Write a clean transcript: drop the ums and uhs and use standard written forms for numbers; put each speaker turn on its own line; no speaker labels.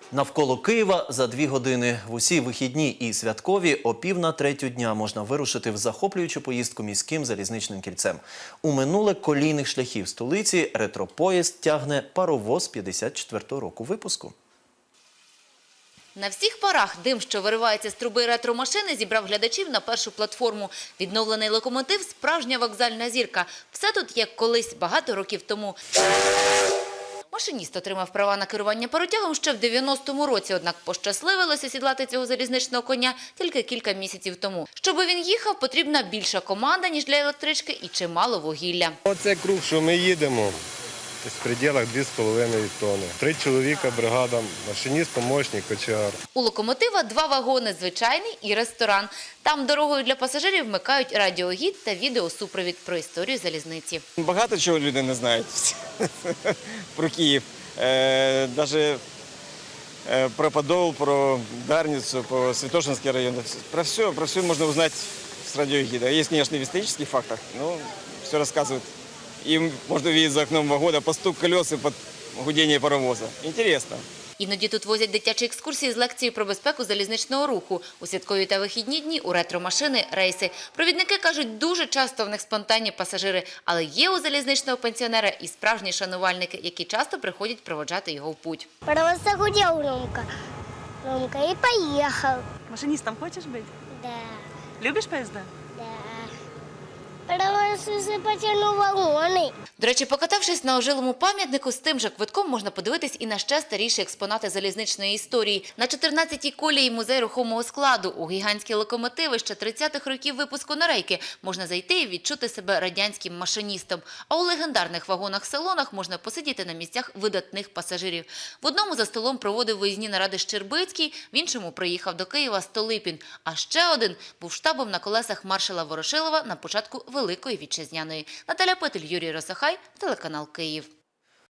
Навколо Києва за 2 години. В усі вихідні і святкові о 2:45 дня можна вирушити в захоплюючу поїздку міським залізничним кільцем. У минуле колійних шляхів столиці ретропоїзд тягне паровоз 54-го року випуску.
На всіх парах дим, що виривається з труби ретромашини, зібрав глядачів на першу платформу. Відновлений локомотив – справжня вокзальна зірка. Все тут, як колись, багато років тому. Машиніст отримав права на керування паротягом ще в 90-му році, однак пощасливилося сідлати цього залізничного коня тільки кілька місяців тому. Щоби він їхав, потрібна більша команда, ніж для електрички, і чимало вугілля.
Оце круг, що ми їдемо, в пределах 2,5 тонни. 3 чоловіка, бригада, машиніст, помощник, кочегар.
У локомотива 2 вагони – звичайний і ресторан. Там дорогою для пасажирів вмикають радіогід та відеосупровід про історію залізниці.
Багато чого люди не знають про Київ. Навіть про Подол, про Дарницю, про Святошинський район. Про все можна узнати з радіогіда. Є, звісно, в історичних фактах, але все розказують. И можно видеть за окном вагона постук колес и под гудение паровоза. Интересно.
Іноді тут возять дитячі екскурсії з лекцією про безпеку залізничного руху. У святкові та вихідні дні у ретромашини – рейси. Провідники кажуть, дуже часто в них спонтанні пасажири. Але є у залізничного пенсіонера і справжні шанувальники, які часто приходять проводжати його в путь.
Паровоз загудел громко и поехал.
Машинистом хочешь быть?
Да,
Любишь поезда?
да. Паровоз потянул вагоны.
До речі, покатавшись на ожилому пам'ятнику, з тим же квитком можна подивитись і на ще старіші експонати залізничної історії. На 14-й колії музей рухомого складу. У гігантські локомотиви ще 30-х років випуску на рейки можна зайти і відчути себе радянським машиністом. А у легендарних вагонах-салонах можна посидіти на місцях видатних пасажирів. В одному за столом проводив виїзні наради Щербицький, в іншому приїхав до Києва Столипін. А ще один був штабом на колесах маршала Ворошилова на початку Великої Вітчизняної. Наталя Петель, Юрій Росохай, телеканал Київ.